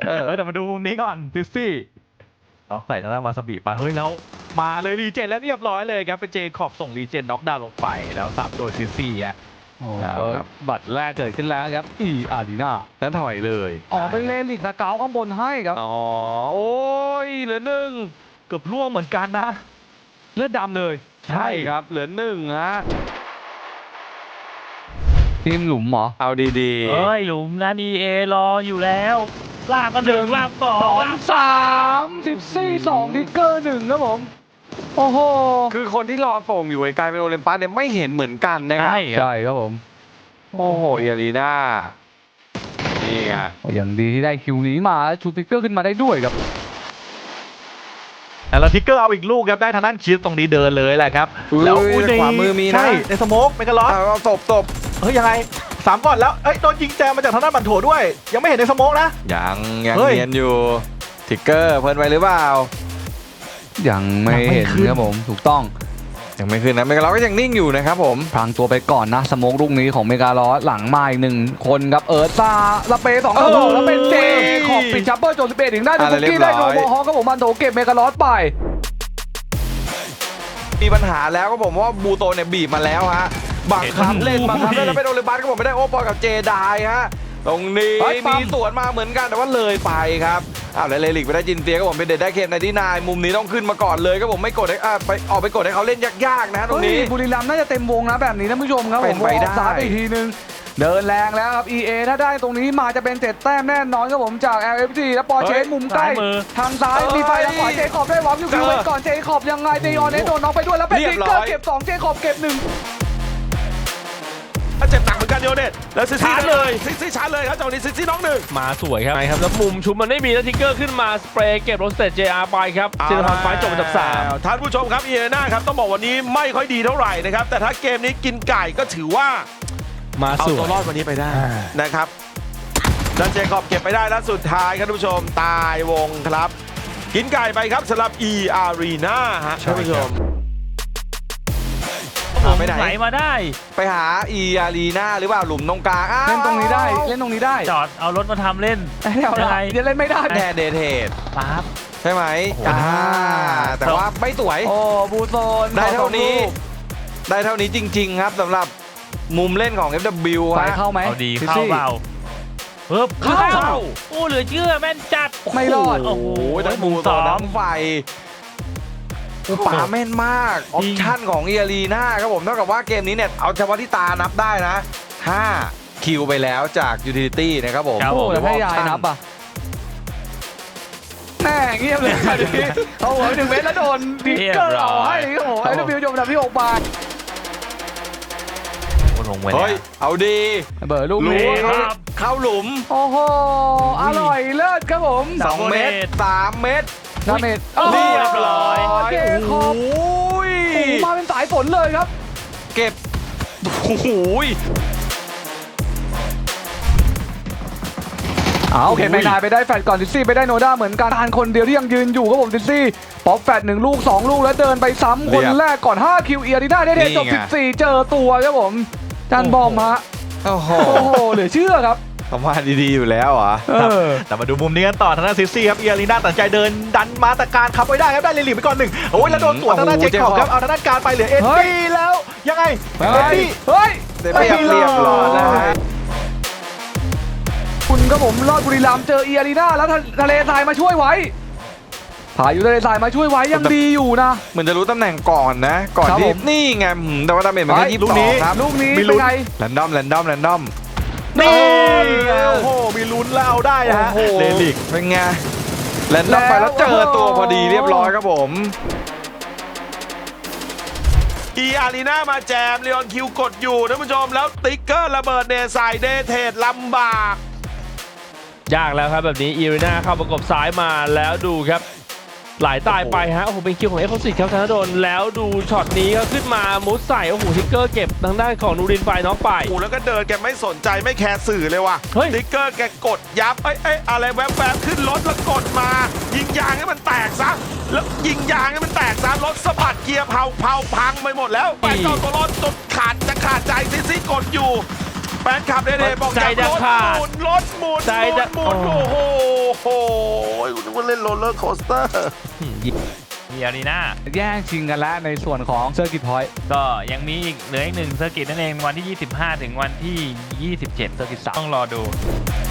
แต่มาดูมุมนี้ก่อนซิซี่เอาใส่ทางด้านวาซาบิไปเฮ้ยแล้วมาเลยรีเจนแล้วเรียบร้อยเลยครับเป็นเจคอบส่งรีเจนน็อกดาวน์ลงไปแล้วสับโดยซิซี่อ่ะบัตรแรกเกิดขึ้นแล้วครับอารีนาแล้วถอยเลยเป็นเลลิกสเกาข้างบนให้ครับโอ้ยเหลือหนึ่งเกือบล่วงเหมือนกันนะเลือดดำเลยใช่ครับเหลือหนึ่งฮะทีมหลุมเหรอเอาดีๆเฮ้ยหลุมนะดีเอรออยู่แล้วลากก็1ลาก2 3 14 2ทิกเกอร์1ครับผมโอ้โหคือคนที่รอส่งอยู่ไกลเป็นโอลิมปัสเนี่ยไม่เห็นเหมือนกันนะครับใช่ครับผมโอ้โหเอรีน่านี่ไงอย่างดีที่ได้คิวนี้มาชูทิกเกอร์ขึ้นมาได้ด้วยครับแล้วทิกเกอร์เอาอีกลูกครับได้ทางด้านคิดตรงนี้เดินเลยแหละครับแล้วขวามือมีนะในสโมกเมกาลอสเอาตบเฮ้ยยังไง3ก่อนแล้วโดนยิงแจมมาจากทางด้านบันโถด้วยยังไม่เห็นในสโมกนะยังเนียนอยู่ทิกเกอร์เพิ่นไปหรือเปล่ายังไม่เห็นครับผมถูกต้องยังไม่ขึ้นนะเมกาลอสก็ยังนิ่งอยู่นะครับผมพลางตัวไปก่อนนะสโมกลูกนี้ของเมกาลอสหลังมาอีก1คนครับซาลาเป2ต่อ2แล้วเป็นเจขอบปิดชัปเปอร์โจ11ถึงได้ดูคุกกี้ได้โนโมฮอครับผมมันโถเก็บเมกาลอสไปมีปัญหาแล้วก็ผมว่าบูโตเนี่ยบีบมาแล้วฮะบังคับเล่นแล้วเป็นโอลิมปัสก็ผมไม่ได้โอปอลกับเจไดฮะตรงนี้มีสวนมาเหมือนกันแต่ว่าเลยไปครับแล้วเลลิกไปได้จินเตียก็ผมเป็นเด็ดได้เคนในที่นายมุมนี้ต้องขึ้นมาก่อนเลยก็ผมไม่กดให้ไปกดให้เขาเล่นยากๆนะตรงนี้บุรีรัมย์น่าจะเต็มวงนะแบบนี้ท่านผู้ชมครับเป็นไปได้ซ้ายไปอีกทีนึงเดินแรงแล้วครับ EA ถ้าได้ตรงนี้มาจะเป็น7แต้มแน่นอนครับผมจาก LFG แล้วปอเชสมุมใกล้ทางซ้ายมีไฟทางขวาเจคอบได้วอล์กอยู่ไว้ก่อนเจคอบยังไงเดยอนโดนน็อกไปด้วยแล้วเป็นทิกเกอร์เก็บ2เจคอบเก็บ1 เจ็บหนักเหมือนกันโยเนตแล้วซิซี่เลยซิซี่ชาร์จเลยครับจังหวะนี้ซิซี่น้อง1มาสวยครับแล้วมุมชุบมันไม่มีแล้วทิกเกอร์ขึ้นมาสเปรย์เก็บโรสเตจ JR ไปครับเซนทรัลไฟจบอันดับ3ท่านผู้ชมครับเอเนน่าครับต้องบอกวันนี้ไม่ค่อยดีเท่าไหร่นะครับแต่ถ้าเกมนี้กินไก่ก็ถือว่ามาเอาตัวรอดวันนี้ไปได้นะครับดันเจคอบเก็บไปได้แล้วสุดท้ายครับท่านผู้ชมตายวงครับกินไก่ไปครับสำหรับ E Arena ฮะท่านผู้ชมไปไหนมาได้ไปหาอีอารีนาหรือเปล่าหลุมตรงกลางเล่นตรงนี้ได้เล่นตรงนี้ได้จอดเอารถมาทำเล่นยังไงจะเล่นไม่ได้แดนเดเทดปั๊บใช่ไหมแต่ว่าไม่สวยบูโซนได้เท่านี้จริงๆครับสำหรับมุมเล่นของ FW ไปเข้าไหมเอาดีเข้าเปล่าเข้าโอ้เหลือเชื่อแม่นจัดไม่รอดโอ้โหทั้งบูโซนทั้งไฟป่าแม่นมากออปชั่นของเอรีน่าครับผมเท่ากับว่าเกมนี้เนี่ยเอาเฉพาะที่ตานับได้นะ5คิวไปแล้วจากยูทิลิตี้นะครับผมโอ้แล้วให้ยายนับอ่ะแม่เงียบเลยเอาหัว1 เมตรแล้วโดนดิกเกอร์เอาให้ครับผมไอ้บิวจมดับที่6 บาทเฮ้ยเอาดีเบอร์ลูกนี้เข้าหลุมโอ้โหอร่อยเลิศครับผม 2 เมตร3 เมตรเมตรเรียบร้อยเจคอบมาเป็นสายฝนเลยครับเก็บโอ้โหโอเคไม่นายไปได้แฟดก่อนซิซี่ไปได้โนด้าเหมือนกันทานคนเดียวที่ยังยืนอยู่ครับผมซิซี่ป๊อปแฟด1 ลูก 2 ลูกแล้วเดินไปซ้ำคนแรกก่อน5คิวเอียรีน่าได้เทจบ14เจอตัวครับผมจันบอมฮะโอ้โหเหลือเชื่อครับเขามาดีๆอยู่แล้วอ่ะแต่มาดูมุมนี้กันต่อทางด้านซิซี่ครับเอียรีน่าตัดใจเดินดันมาตะการขับไว้ได้ครับได้เลลิไปก่อน1โอ้ยแล้วโดนสวนทางด้านเจคอบครับเอาทางด้านการไปเหลือเอ็ดดี้แล้วยังไงเอ็ดดี้เฮ้ยเรียบร้อยนะคุณครับผมรอดบุรีรัมย์เจอเอียรีน่าแล้วทะเลทรายมาช่วยไว้พายุทะเลทรายมาช่วยไว้ยังดีอยู่นะเหมือนจะรู้ตำแหน่งก่อนนะก่อนที่นี่ไงแต่ว่าดาเมจมันแค่22ครับลูกนี้เป็นไงแรนดอมนี่โอ้โหมีลุ้นแล้วได้ฮะเลลิกเป็นไงแรนดอมไปแล้วเจอตัวพอดีเรียบร้อยครับผมอีอารีนามาแจมเลออนคิวกดอยู่ท่านผู้ชมแล้วติ๊กเกอร์ระเบิดเดใส่เดเทดลำบากยากแล้วครับแบบนี้อีอารีนาเข้าประกบซ้ายมาแล้วดูครับหลายตายไปฮะโอ้โหเป็นคิวของเอ็กซ์คลูซีฟครับธนดลแล้วดูช็อตนี้ก็ขึ้นมามุดใส่โอ้โหทิกเกอร์เก็บทางด้านของนูรินไฟน็อกไปโอ้แล้วก็เดินแกไม่สนใจไม่แคร์สื่อเลยว่ะทิกเกอร์แกกดยับอะไรแวบๆขึ้นรถแล้วกดมายิงยางให้มันแตกซะแล้วยิงยางให้มันแตกซะรถสะบัดเกียร์เผาพังไปหมดแล้วไปต่อตัวรถจนขาดใจซิกดอยู่แฟนคลับเดบอกอยากรถหมุนโอ้โหนึกว่าเล่นโรลเลอร์โคสเตอร์มีอารีนาแย่งชิงกันแล้วในส่วนของเซอร์กิตพอยต์ก็ยังมีอีกเหลืออีก1เซอร์กิตนั่นเองวันที่ 25 ถึงวันที่ 27 เซอร์กิต3ต้องรอดู